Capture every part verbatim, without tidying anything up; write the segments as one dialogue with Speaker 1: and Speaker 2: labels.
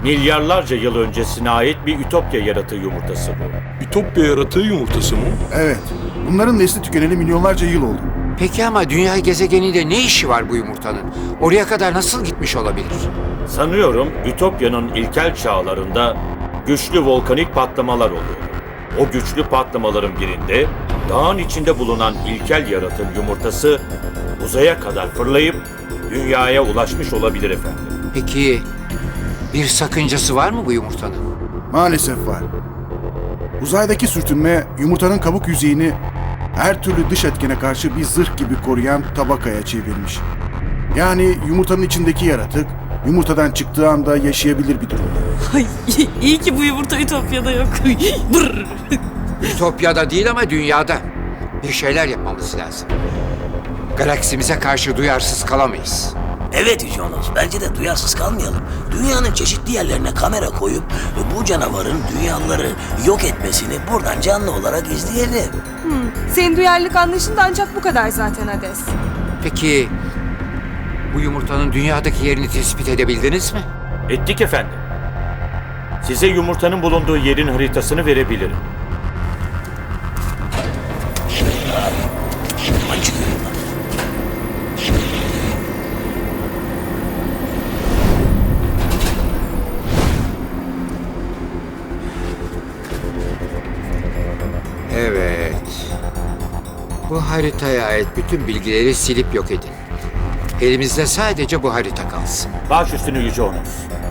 Speaker 1: Milyarlarca yıl öncesine ait bir Ütopya yaratığı yumurtası bu.
Speaker 2: Ütopya yaratığı yumurtası mı?
Speaker 3: Evet. Bunların nesli tükeneli milyonlarca yıl oldu.
Speaker 4: Peki ama dünya gezegeninde ne işi var bu yumurtanın? Oraya kadar nasıl gitmiş olabilir?
Speaker 1: Sanıyorum Ütopya'nın ilkel çağlarında güçlü volkanik patlamalar oluyor. O güçlü patlamaların birinde dağın içinde bulunan ilkel yaratığın yumurtası uzaya kadar fırlayıp dünyaya ulaşmış olabilir efendim.
Speaker 4: Peki bir sakıncası var mı bu yumurtanın?
Speaker 3: Maalesef var. Uzaydaki sürtünme yumurtanın kabuk yüzeyini her türlü dış etkene karşı bir zırh gibi koruyan tabakaya çevirmiş. Yani yumurtanın içindeki yaratık yumurtadan çıktığı anda yaşayabilir bir durumda.
Speaker 5: Ay, iyi ki bu yumurta Ütopya'da yok. Brr.
Speaker 4: Ütopya'da değil ama dünyada. Bir şeyler yapmamız lazım. Galaksimize karşı duyarsız kalamayız.
Speaker 6: Evet Yüce Onos, bence de duyarsız kalmayalım. Dünyanın çeşitli yerlerine kamera koyup bu canavarın dünyaları yok etmesini buradan canlı olarak izleyelim.
Speaker 7: Senin duyarlılık anlayışın da ancak bu kadar zaten Hades.
Speaker 4: Peki bu yumurtanın dünyadaki yerini tespit edebildiniz mi?
Speaker 1: Ettik efendim. Size yumurtanın bulunduğu yerin haritasını verebilirim.
Speaker 6: Aman çıkıyorum lan.
Speaker 4: Evet. Bu haritaya ait bütün bilgileri silip yok edin. Elimizde sadece bu harita kalsın.
Speaker 1: Baş üstüne Yüce Onos.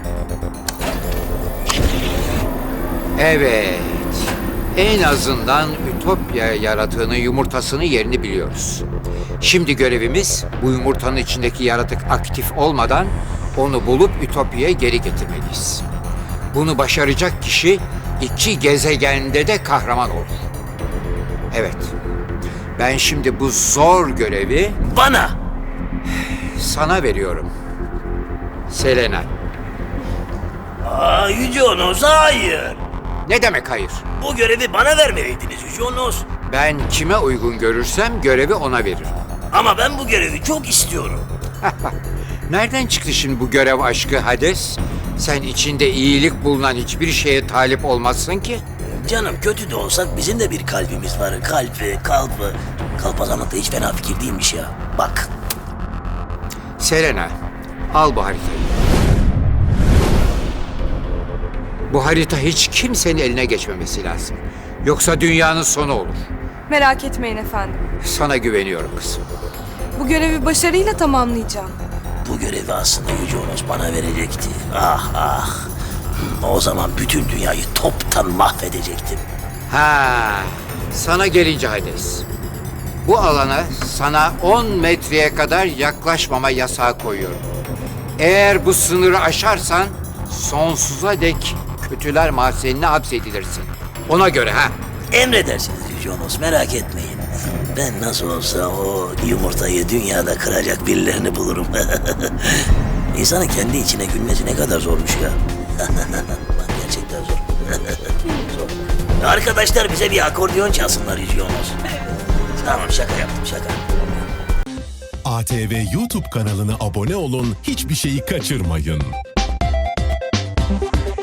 Speaker 4: Evet. En azından Ütopya yaratığının yumurtasının yerini biliyoruz. Şimdi görevimiz bu yumurtanın içindeki yaratık aktif olmadan onu bulup Ütopya'ya geri getirmeliyiz. Bunu başaracak kişi iki gezegende de kahraman olur. Evet. Ben şimdi bu zor görevi
Speaker 6: Bana!
Speaker 4: sana veriyorum. Selena.
Speaker 6: Aa, Yüce Onos, hayır!
Speaker 4: Ne demek hayır?
Speaker 6: Bu görevi bana vermeliydiniz Yüce Onos.
Speaker 4: Ben kime uygun görürsem görevi ona veririm.
Speaker 6: Ama ben bu görevi çok istiyorum.
Speaker 4: Nereden çıktı şimdi bu görev aşkı Hades? Sen içinde iyilik bulunan hiçbir şeye talip olmazsın ki.
Speaker 6: Canım, kötü de olsak bizim de bir kalbimiz var. Kalbi, kalbi. Kalpazanlık da hiç fena fikir değilmiş ya. Bak.
Speaker 4: Selena, al bu haritayı. Bu harita hiç kimsenin eline geçmemesi lazım. Yoksa dünyanın sonu olur.
Speaker 7: Merak etmeyin efendim.
Speaker 4: Sana güveniyorum kızım.
Speaker 7: Bu görevi başarıyla tamamlayacağım.
Speaker 6: Bu görevi aslında Yüce Onos bana verecekti. Ah ah. O zaman bütün dünyayı toptan mahvedecektim.
Speaker 4: Ha, sana gelince Hades. Bu alana sana on metreye kadar yaklaşmama yasağı koyuyorum. Eğer bu sınırı aşarsan sonsuza dek kötüler mahzenine hapsedilirsin. Ona göre ha.
Speaker 6: Emredersiniz Yüce Onos, merak etmeyin. Ben nasıl olsa o yumurtayı dünyada kıracak birilerini bulurum. İnsanın kendi içine gülmesi ne kadar zormuş ya. Bak, gerçekten zor. Zor. Arkadaşlar bize bir akordeon çalsınlar Yüce Onos. Tamam, şaka yaptım, şaka.
Speaker 8: A T V YouTube kanalına abone olun, hiçbir şeyi kaçırmayın.